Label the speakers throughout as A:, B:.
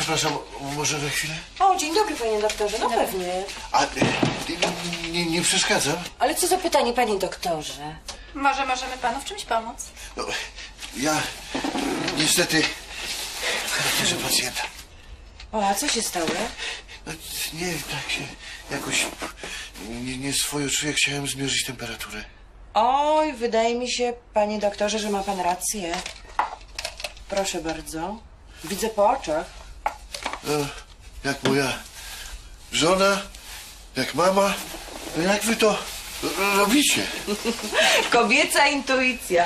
A: Przepraszam, może na chwilę?
B: O, dzień dobry, panie doktorze. No pewnie.
A: A nie przeszkadzam?
B: Ale co za pytanie, panie doktorze?
C: Może możemy panu w czymś pomóc?
A: No, ja niestety w charakterze pacjenta.
B: O, a co się stało?
A: No, nie, tak się jakoś nie swojo czuję. Chciałem zmierzyć temperaturę.
B: Oj, wydaje mi się, panie doktorze, że ma pan rację. Proszę bardzo. Widzę po oczach.
A: No, jak moja żona, jak mama, no jak wy to robicie?
B: Kobieca intuicja.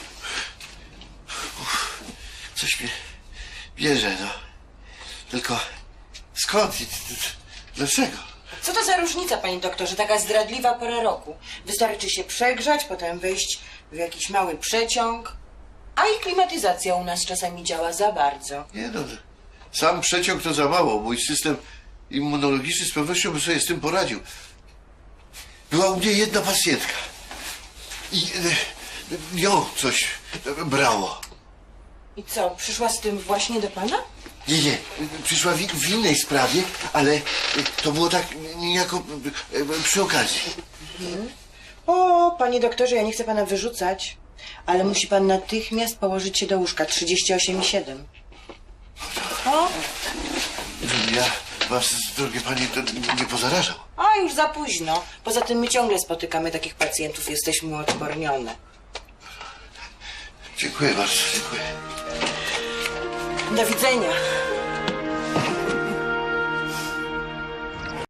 A: Coś mnie bierze, no. Tylko skąd i dlaczego?
B: Co to za różnica, panie doktorze? Taka zdradliwa pora roku. Wystarczy się przegrzać, potem wejść w jakiś mały przeciąg. A i klimatyzacja u nas czasami działa za bardzo.
A: Nie no, sam przeciąg to za mało. Mój system immunologiczny z pewnością by sobie z tym poradził. Była u mnie jedna pacjentka i ją coś brało.
B: I co, przyszła z tym właśnie do pana?
A: Nie, przyszła w innej sprawie, ale to było tak niejako przy okazji.
B: O, panie doktorze, ja nie chcę pana wyrzucać, ale musi pan natychmiast położyć się do łóżka 38,7. O,
A: Żebym ja was, drogie panie, to nie pozarażał.
B: a już za późno. Poza tym my ciągle spotykamy takich pacjentów, jesteśmy uodpornione.
A: Dziękuję bardzo, dziękuję.
B: Do widzenia.